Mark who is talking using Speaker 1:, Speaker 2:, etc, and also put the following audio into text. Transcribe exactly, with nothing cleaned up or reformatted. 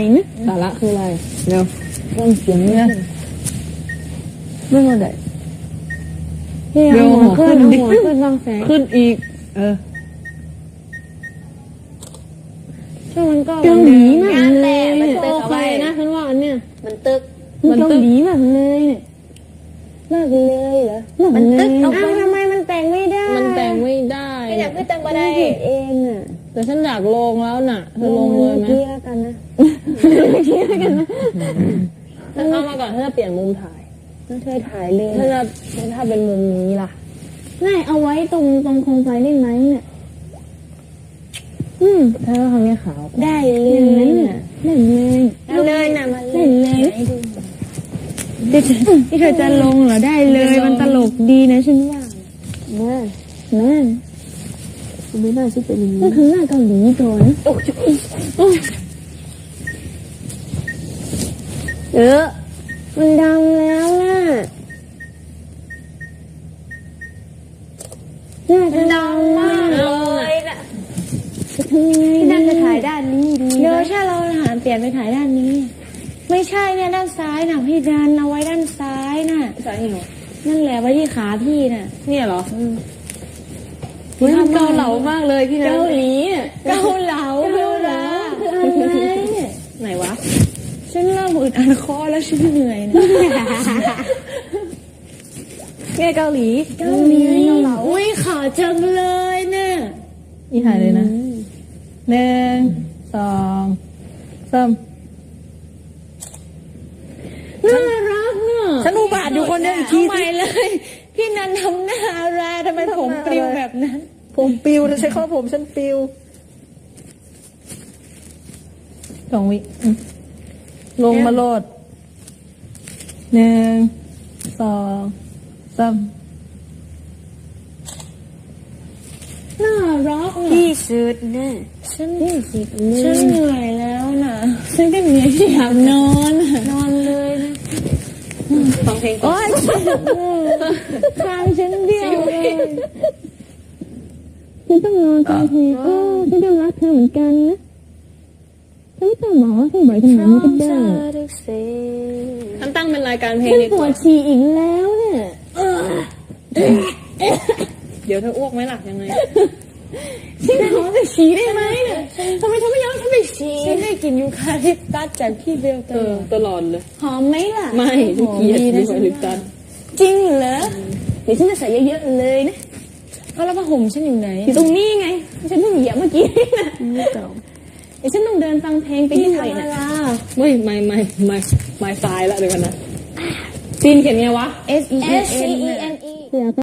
Speaker 1: นะสาระคืออะไรเร็วฟังเสียงเนี่ยไม่มาได้เร็วหัวขึ้นดิขึ้นบางแสงขึ้นอีกเออช่วงมันก็เกาหลีมากเลยมันตึกเอาไว้นะฉันว่าอันเนี้ยมันตึกมันเกาหลีมากเลยเนี่ยเลิกเลยเหรอมันตึกเอาไปทำไมมันแต่งไม่ได้มันแต่งไม่ได้ไม่อยากขึ้นแต่งมาได้เองอ่ะแต่ฉันอยากลงแล้วน่ะเธอลงเลยไหมเมื่อกี้แล้วกันนะเมื่อกี้แล้วกันนะถ้าเข้ามาก่อนถ้าจะเปลี่ยนมุมถ่ายถ้าเธอถ่ายเลยถ้าจะถ้าเป็นมุมนี้ล่ะง่ายเอาไว้ตรงตรงโคมไฟได้ไหมเนี่ยอืมถ้าเราทำเนี่ยขาวได้เลยเนี่ยเล่นเลยเอาเลยนะมาเล่นเลยที่เธอจะลงเหรอได้เลยมันตลกดีนะฉันว่าแม่แม่ไม่น่าจะเป็นอย่างนี้ก็คือหน้าเกาหลีก่อนเออมันดำแล้วน่ะหน้าจะดำมากเลยน่ะจะทำยังไงน่าจะถ่ายด้านนี้ดีเดี๋ยวถ้าเราหันเปลี่ยนไปถ่ายด้านนี้ไม่ใช่เนี่ยด้านซ้ายน่ะพี่ดันเอาไว้ด้านซ้ายน่ะซ้ายเหรอนั่นแหละไว้ที่ขาพี่น่ะเนี่ยเหรอมันทำเกาเหลามากเลยพี่นะเกาหลีเกาเหลาเกาเหลาคืออะไรเนี่ยไหนวะฉันเริ่มอึดอัดคอแล้วฉันเหนื่อยนะเนี่ยเกาหลีเกาหลีเกาเหลาอุ้ยขอจังเลยเนี่ยนี่ถ่ายเลยนะหนึ่งสองสามน่ารักเนอะฉันอุบาทอยู่คนเดียวอีกทีใหม่เลยพี่นันทำหน้าอะไรทำไมผมปลิวแบบนั้นผมปลิวใช้ข้อผมฉันปลิวสองวิลงมาโลดหนึ่งสองสามน่ารักที่สุดเนี่ยฉันที่สุดเลยฉันเหนื่อยแล้วนะฉันก็เหนื่อยที่อยากนอนนอนเลยนะฟังเพลงก่อนทางฉันเดียวเลยฉันต้องนอนฟังเพลงเออฉันก็รักเธอเหมือนกันนะฉันไม่ต้องบอกว่าให้บ่อยขนาดนี้ก็ได้ฉันตั้งเป็นรายการเพลงฉันปวดฉี่อีกแล้วเนี่ยเดี๋ยวเธออ้วกไหมล่ะยังไงฉันขอจะฉี่ได้ไหมเนี่ยทำไมเธอไม่ยอมฉันไปฉี่ฉันได้กินยูคาลิปตัสจากพี่เบลตลอดเลยหอมไหมล่ะไม่ทุกทียูคาลิปตัสจริงเหรอเดี๋ยวฉันจะใส่เยอะๆเลยนะเอาแล้วผ้าห่มฉันอยู่ไหนอยู่ตรงนี้ไงฉันเพิ่งเหยียบเมื่อกี้นะเดี๋ยวฉันต้องเดินฟังเพลงไปที่ไหนนะไม่ไม่ไม่ไม่ไม่ตายละเดี๋ยวกันนะซีนเขียนไงวะ S E N E N E